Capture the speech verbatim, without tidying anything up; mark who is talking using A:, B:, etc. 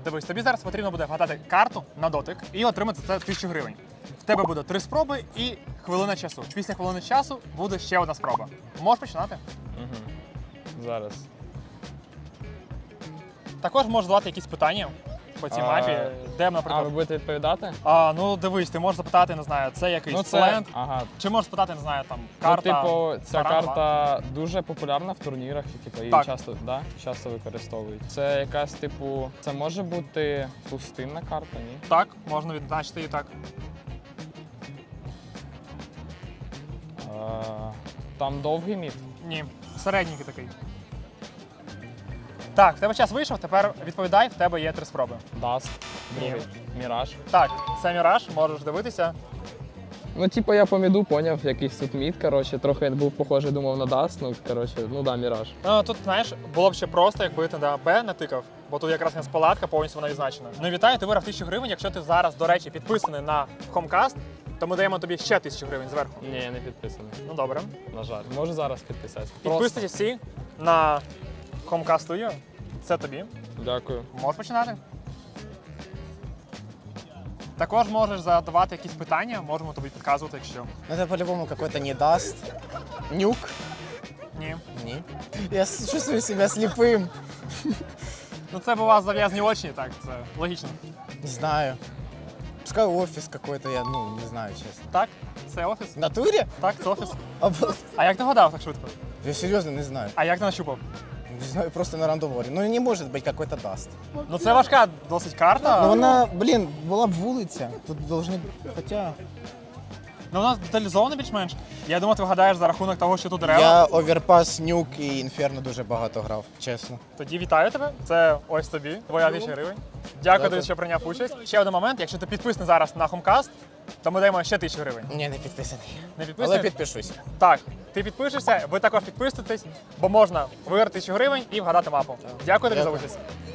A: Дивись, тобі зараз потрібно буде вгадати карту на дотик і отримати це тисячу гривень. В тебе буде три спроби і хвилина часу. Після хвилини часу буде ще одна спроба. Можеш починати?
B: Угу. Зараз.
A: Також можеш задавати якісь питання по цій
B: А,
A: мапі, де,
B: А,
A: наприклад.
B: ви будете відповідати?
A: А, ну дивись, ти можеш запитати, не знаю, це якийсь
B: Ну, це-
A: сленг,
B: Ага.
A: чи можеш спитати, не знаю, там карта.
B: Ну, типу, ця
A: баранова.
B: карта дуже популярна в турнірах, і типу, її
A: Так.
B: часто, да, часто використовують. Це якась, типу, це може бути пустинна карта, ні?
A: Так, можна відзначити і так.
B: А, там довгий мід.
A: Ні, середній такий. Так, в тебе час вийшов, тепер відповідай, в тебе є три спроби.
B: Даст, другий, Міраж.
A: Так, це Міраж, можеш дивитися.
B: Ну, типу, я по міду поняв, якийсь тут мід, коротше, трохи був похожий, думав на Даст, ну, коротше, ну да, Міраж.
A: Ну, тут, знаєш, було б ще просто, якби ти на Б натикав, бо тут якраз не палатка, повністю вона відзначена. Ну, вітаю, ти виграв тисячу гривень. Якщо ти зараз, до речі, підписаний на Homecast, то ми даємо тобі ще тисячу гривень зверху.
B: Ні, я не підписаний,
A: Ну, добре.
B: на жаль. Можу зараз підписатися.
A: Підписуйтесь всі на Homecast Studio. Це тобі.
B: Дякую.
A: Можеш починати. Також можеш задавати якісь питання, можемо тобі підказувати, якщо.
C: Ну это по-любому какой-то не даст. Нюк?
A: Ні.
C: Не. Я с- чувствую себя слепым.
A: Ну це б у вас зав'язані очі, так, це логічно.
C: Не знаю. Пускай офис какой-то, я, ну, не знаю, честно.
A: Так, це офіс.
C: В натуре?
A: Так, це офіс.
C: Обал-
A: А як ти гадав так швидко?
C: Я серьезно не знаю.
A: А як ти нащупав?
C: Не знаю, просто на рандом говорю. Ну не может быть какой-то даст.
A: Ну це важка досить карта.
C: Ну вона, блін, була б вулиця. Тут должны, хоча...
A: Ну, у нас деталізовано більш-менш. Я думаю, ти вгадаєш за рахунок того, що тут дерева.
C: Я оверпас, нюк і інферно дуже багато грав, чесно.
A: Тоді вітаю тебе. Це ось тобі, твоя тисяча гривень. Дякую тобі,
C: Дякую.
A: що прийняв участь. Ще один момент, якщо ти підписаний зараз на Homecast, то ми даємо ще тисячу гривень.
C: Ні, не підписаний.
A: Не підписаний?
C: Але підпишусь.
A: Так, ти підпишешся, ви також підписуєтесь, бо можна виграти тисячу гривень і вгадати мапу. Дякую тобі за
C: Дякую.
A: участь.